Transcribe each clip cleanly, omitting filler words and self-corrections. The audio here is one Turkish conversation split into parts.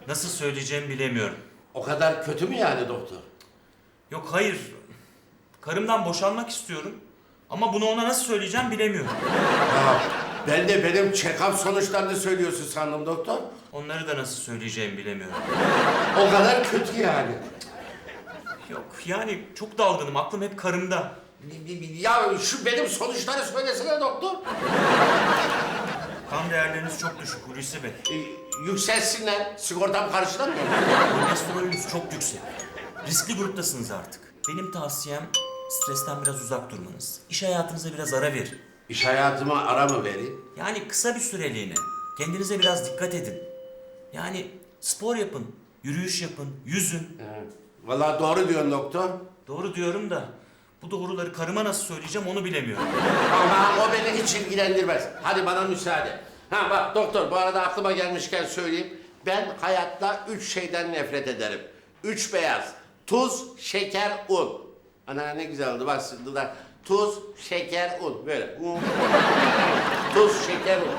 Nasıl söyleyeceğimi bilemiyorum. O kadar kötü mü yani doktor? Yok hayır. Karımdan boşanmak istiyorum. Ama bunu ona nasıl söyleyeceğim bilemiyorum. Ya ben de benim check-up sonuçlarını söylüyorsun sandım doktor. Onları da nasıl söyleyeceğimi bilemiyorum. O kadar kötü yani. Yok yani çok dalgınım. Aklım hep karımda. Ya şu benim sonuçları söylesene doktor. Kan değerleriniz çok düşük Hulusi Bey. Yükselsinler. Sigortam karşılar mı? Kolesterolünüz çok yüksek. Riskli gruptasınız artık. Benim tavsiyem stresten biraz uzak durmanız. İş hayatınıza biraz ara verin. İş hayatıma ara mı vereyim? Yani kısa bir süreliğine. Kendinize biraz dikkat edin. Yani spor yapın, yürüyüş yapın, yüzün. Vallahi doğru diyorsun doktor. Doğru diyorum da bu doğruları karıma nasıl söyleyeceğim onu bilemiyorum. Ama o beni hiç ilgilendirmez. Hadi bana müsaade. Ha bak doktor, bu arada aklıma gelmişken söyleyeyim. Ben hayatta 3 şeyden nefret ederim. 3 beyaz. Tuz, şeker, un. Ana ne güzel oldu bak şimdi da. Tuz, şeker, un. Böyle. Un. Tuz, şeker, un.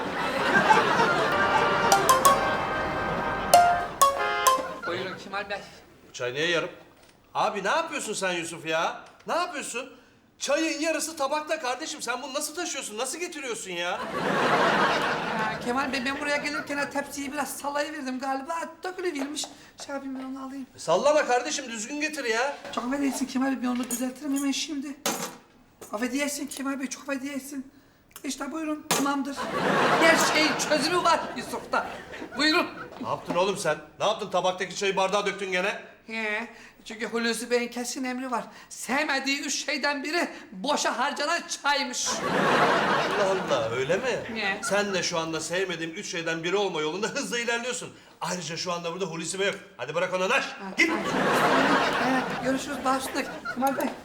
Buyurun Kemal Bey. Çay niye yarım? Abi ne yapıyorsun sen Yusuf ya? Ne yapıyorsun? Çayın yarısı tabakta kardeşim. Sen bunu nasıl taşıyorsun? Nasıl getiriyorsun ya? Ya Kemal Bey ben buraya gelirken tepsiyi biraz sallayıverdim galiba. Dökülüvermiş. Şey yapayım ben onu alayım. Sallama kardeşim. Düzgün getir ya. Çok affedersin Kemal Bey, ben onu düzeltirim hemen şimdi. Affedersin Kemal Bey, çok affedersin. İşte buyurun, tamamdır. Her şeyin çözümü var Yusuf'ta. Buyurun. Ne yaptın oğlum sen? Ne yaptın? Tabaktaki çayı bardağa döktün gene. He, çünkü Hulusi Bey'in kesin emri var. Sevmediği 3 şeyden biri boşa harcanan çaymış. Allah Allah, öyle mi? Ne? Sen de şu anda sevmediğim 3 şeyden biri olma yolunda hızla ilerliyorsun. Ayrıca şu anda burada Hulusi Bey yok. Hadi bırak onu naş. Git. Görüşürüz başlık Kemal Bey.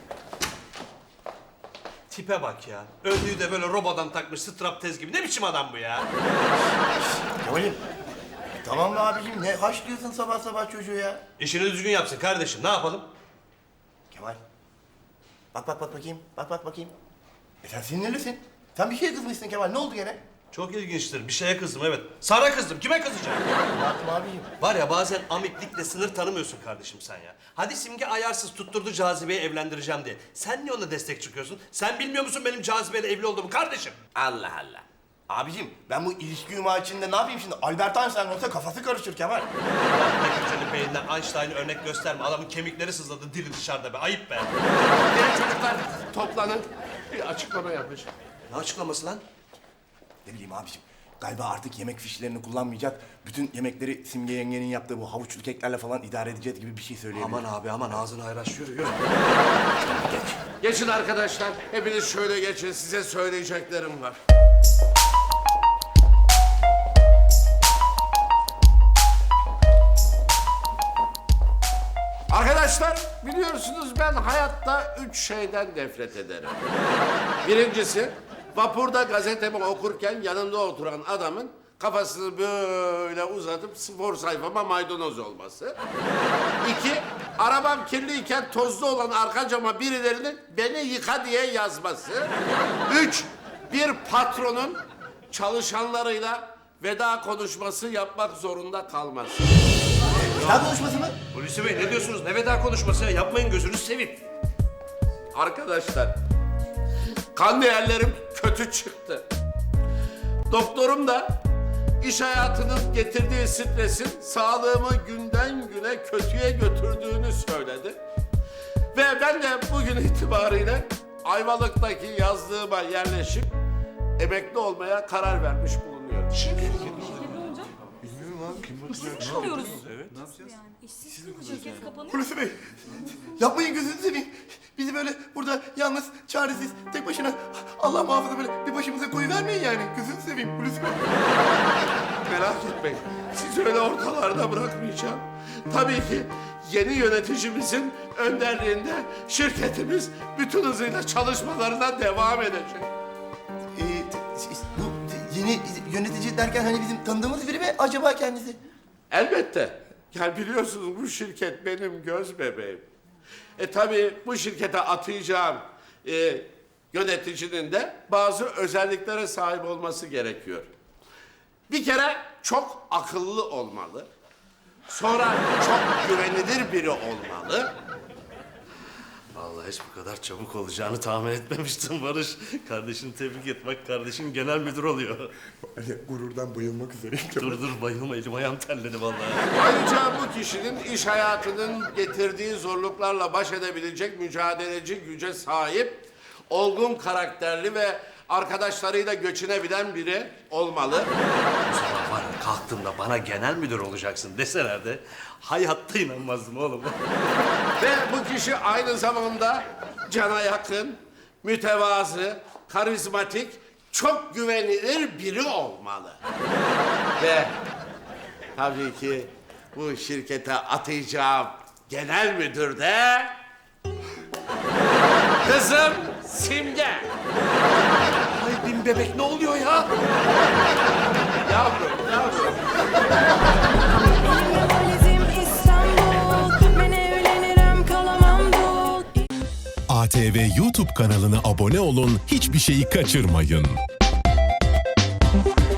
Tipe bak ya. Önlüğü de böyle robodan takmış straptez gibi. Ne biçim adam bu ya? Kemal'im. Tamam mı abicim? Ne haşlıyorsun sabah sabah çocuğu ya? İşini düzgün yapsın kardeşim. Ne yapalım? Kemal. Bak bakayım. Bak bakayım. Sen sinirlisin. Sen bir şeye kızmışsın Kemal. Ne oldu gene? Çok ilginçtir. Bir şeye kızdım evet. Sana kızdım. Kime kızacağım? Ne yaptım abicim? Var ya bazen amiklikle sınır tanımıyorsun kardeşim sen ya. Hadi Simge ayarsız tutturdu Cazibe'yi evlendireceğim diye. Sen niye ona destek çıkıyorsun? Sen bilmiyor musun benim Cazibe'yle evli olduğumu kardeşim? Allah Allah. Abicim ben bu ilişki yumağı içinde ne yapayım şimdi? Albert Einstein olsa kafası karışır Kemal. Nekirce'nin beyinden Einstein'ı örnek gösterme. Adamın kemikleri sızladı dili dışarıda be. Ayıp be. Gelin çocuklar toplanın. Bir açıklama yapacağım. Ne açıklaması lan? Ne bileyim abicim. Galiba artık yemek fişlerini kullanmayacak. Bütün yemekleri Simge yengenin yaptığı bu havuçlu keklerle falan idare edeceğiz gibi bir şey söyleyebilir. Aman abi aman ağzını ayraş yürü. Geçin arkadaşlar. Hepiniz şöyle geçin. Size söyleyeceklerim var. Arkadaşlar biliyorsunuz ben hayatta 3 şeyden nefret ederim. Birincisi vapurda gazetemi okurken yanımda oturan adamın kafasını böyle uzatıp spor sayfama maydanoz olması. 2, arabam kirliyken tozlu olan arka cama birilerinin beni yıka diye yazması. 3, bir patronun çalışanlarıyla veda konuşması yapmak zorunda kalması. Veda konuşması mı? Hulusi Bey ne diyorsunuz? Ne veda konuşması ya? Yapmayın gözünüzü seveyim. Arkadaşlar, kan değerlerim kötü çıktı. Doktorum da iş hayatının getirdiği stresin sağlığımı günden güne kötüye götürdüğünü söyledi. Ve ben de bugün itibariyle Ayvalık'taki yazlığıma yerleşip emekli olmaya karar vermiş bulunuyorum. İşsiz kalıyoruz. Evet. Ne yapacağız? Yani işsiz kalacağız. Şirket kapanıyor. Hulusi Bey. Yapmayın gözünüzü seveyim. Bizi böyle burada yalnız, çaresiz, tek başına Allah muhafaza böyle bir başımıza koyuvermeyin yani. Gözünüzü seveyim Hulusi Bey. Merak etmeyin, sizi öyle ortalarda bırakmayacağım. Tabii ki yeni yöneticimizin önderliğinde şirketimiz bütün hızıyla çalışmalarına devam edecek. Bu yeni yönetici derken hani bizim tanıdığımız biri mi acaba kendisi? Elbette. Yani biliyorsunuz bu şirket benim göz bebeğim. Tabii bu şirkete atayacağım yöneticinin de bazı özelliklere sahip olması gerekiyor. Bir kere çok akıllı olmalı. Sonra çok güvenilir biri olmalı. Vallahi hiç bu kadar çabuk olacağını tahmin etmemiştim Barış. Kardeşini tebrik et. Bak kardeşin genel müdür oluyor. Gururdan bayılmak üzereyim. Dur bayılma, elim ayağım terledi vallahi. Ayrıca bu kişinin iş hayatının getirdiği zorluklarla baş edebilecek mücadeleci güce sahip, olgun karakterli ve arkadaşlarıyla göçünebilen biri olmalı. Var ya, kalktığımda bana genel müdür olacaksın deselerdi hayatta inanmazdım oğlum. Ve bu kişi aynı zamanda cana yakın, mütevazı, karizmatik, çok güvenilir biri olmalı. Ve tabii ki bu şirkete atayacağım genel müdür de kızım Simge. Ay bin bebek ne oluyor ya? Yavrum, yavrum. Valizim İstanbul, ben evlenirim kalamam dul. ATV YouTube kanalına abone olun, hiçbir şeyi kaçırmayın.